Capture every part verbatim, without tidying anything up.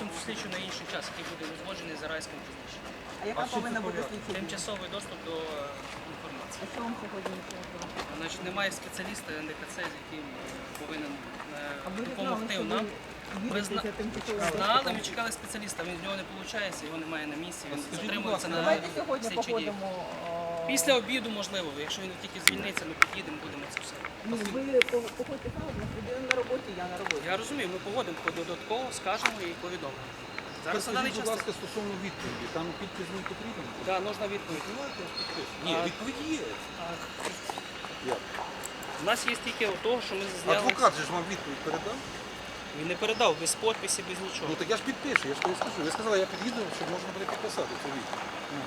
переносимо слідчу на інший час, який буде узгоджений за райським призначенням. А яка повинна бути слідча? Тимчасовий доступ до е, інформації. А що вам сьогодні не треба? Значить, немає спеціаліста ен де ка це, з яким е, повинен е, А ви не знали, допомогти що нам. ви Ми зна- їдете тимчасовим Знали, доступом? ми чекали спеціаліста, він з нього не виходить, його немає на місці, він Скажіть, будь затримується ласка, на Давайте сьогодні слідчі дії. походимо. о, Після обіду, можливо, якщо він тільки звільниться, ми під'їдемо, будемо це все. Ну, ви по- походьте правильно, людина на роботі, я на роботі. Я розумію, ми погодимо додатково, скажемо і повідомимо. Зараз на даний Скажіть, будь час. ласка, стосовно відповіді, там підпис не потрібен? Так, нужна відповідь. Ні, А- відповідь є. Як? У нас є тільки того, що ми зняли. Адвокат же ж вам відповідь передав? Він не передав без підписі, без нічого. Ну так я ж підпишу, я ж тобі скажу. Ви сказали, я під'їду, щоб можна буде підписати цю відповідь. Ну.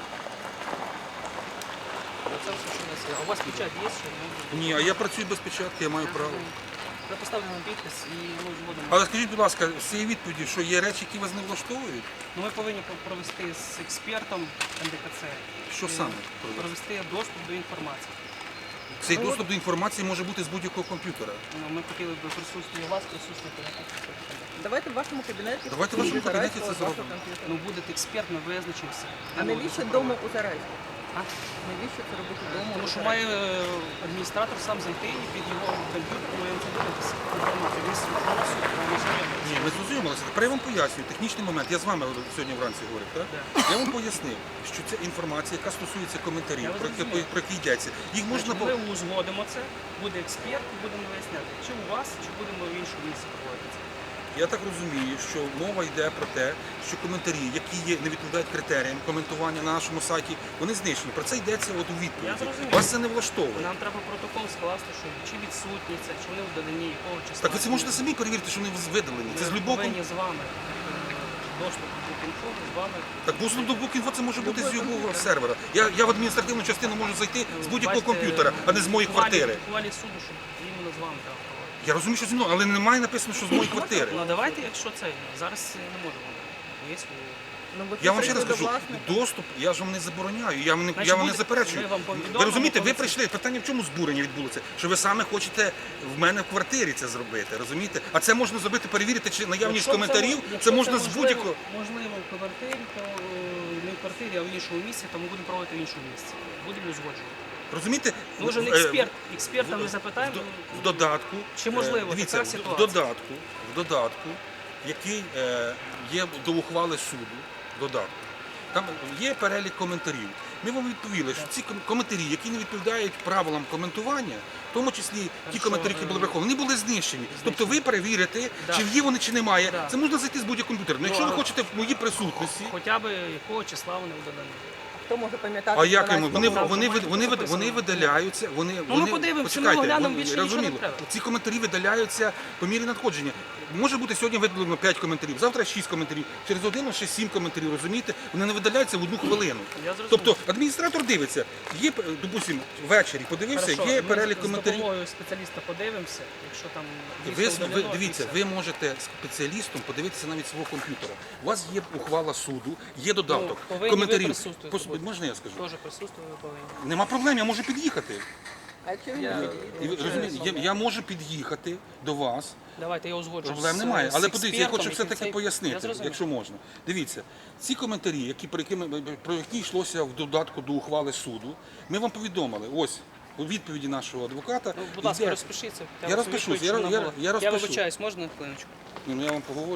Це все, що у нас є. А у вас печать є, що ми Ні, а я працюю без печатки, я маю право. Ми поставимо підпис і ми будемо. Але скажіть, будь ласка, з цієї відповіді, що є речі, які вас не влаштовують? Ну, ми повинні провести з експертом ен де ка це. Що е, саме провести? Провести доступ до інформації. Цей доступ до інформації може бути з будь-якого комп'ютера. Ну, Ми хотіли б присутствие вас, присутствувати на комп'ютері. Давайте в вашому кабінеті. Давайте в вашому буде кабінеті Зарайського це з вашого зробимо. комп'ютера. Ну, буде експерт, ми визначимося. А навіщо вдома у Зарайську? А? Навіщо це робити вдома? Тому у що Зарайську? має е, адміністратор сам зайти і під його комп'ютер ми це дивитися інформацію. Він на нас Ні, ми зрозумілися. Тепер я вам пояснюю, технічний момент. Я з вами сьогодні вранці говорив, так? Я вам пояснив, що ця інформація, яка стосується коментарів, Я про які, зрозумів. про які йдеться, їх можна по... Ми узгодимо це, буде експерт і будемо виясняти, чи у вас, чи будемо в іншому місці проводити це. Я так розумію, що мова йде про те, що коментарі, які є, не відповідають критеріям коментування на нашому сайті, вони знищені. Про це йдеться от у Я відповіді. зрозумів. Вас це не влаштовує. Нам треба протокол скласти, що чи відсутні це, чи вони вдалені, якого числа. Так ви це можете самі перевірити, що вони видалені. Це з Ми любого... повинні з вами е, доступ до інфо, з вами. Так доступ до Букінфо це може бути з любого сервера. Я, я в адміністративну частину можу зайти з будь-якого Бачите, комп'ютера, а не з моєї квартири. В ухвалі суду, що іменно з вами треба проводити. Я розумію, що зі мною, але немає написано, що з моєї квартири. Ну давайте, якщо це, зараз не можемо. Є Ну, ви Я вам ще раз прийшли кажу, до власника. доступ я ж вам не забороняю, я вам не, Значить, я вам не буде- заперечую. ми вам повідомимо, Ви розумієте, ви коли це- прийшли, питання в чому збурення відбулося? Що ви саме хочете в мене в квартирі це зробити, розумієте? А це можна зробити, перевірити, чи наявність Якщо коментарів, це, це, якщо можна з можливо- будь-якого. Можливо, в квартирі, то е, не в квартирі, а в іншому місці, то ми будемо проводити в іншому місці. Будемо узгоджувати. Розумієте? Може, не Е, експерт, експерта ми в- запитаємо. В додатку, Чи можливо е, дивіться, така в- ситуація? в додатку, в додатку, який е, є до ухвали суду, додатку, там є перелік коментарів. Ми вам відповіли, що ці ком- коментарі, які не відповідають правилам коментування, в тому числі ті Хорошо, коментарі, які були е, враховані, вони були знищені. Тобто ви перевірите, Да. чи є вони, чи немає. Да. Це можна зайти з будь-якого комп'ютера. Ну, якщо ви але- хочете в моїй присутності, Хоча б якого числа вони вдані. Хто може пам'ятати? а як Зарайського? йому? Вони, там вони, же вони, вони, записано. вони видаляються, вони, ми вони подивимося, почекайте, ми оглянемо, вони- більше нічого не розуміло, треба. ці коментарі видаляються по мірі надходження. Може бути сьогодні видалено п'ять коментарів, завтра шість коментарів, через годину ще сім коментарів, розумієте? Вони не видаляються в одну хвилину. Я зрозумів. Тобто адміністратор дивиться, є, допустимо, ввечері подивився, Хорошо, є ми перелік з коментарів. допомогою спеціаліста подивимося, якщо там Ви, дійсно ви удалено, дивіться, і все. ви можете спеціалістом подивитися навіть свого комп'ютера. У вас є ухвала суду, є додаток, Ну, повинні ви коментарів. присутствувати Пос- будете. Можна я скажу? Теж присутствую, ви повинні. Нема проблем, я можу під'їхати. А якщо він Я- не І ви підійде? розумієте, я, я можу під'їхати до вас, Давайте я узгоджу. проблем з- немає. з Але подивіться, я експертом, хочу все який таки цей- Я пояснити, зрозумів. якщо можна. Дивіться, ці коментарі, які про які, ми- про які йшлося в додатку до ухвали суду, ми вам повідомили. Ось у відповіді нашого адвоката. Ну, будь ласка, йде- розпишіться. Я розпишусь, я- відповідь, щоб я- вона була. я розпишу. Я вибачаюсь, можна на хвилиночку? Ну, я вам поговорю.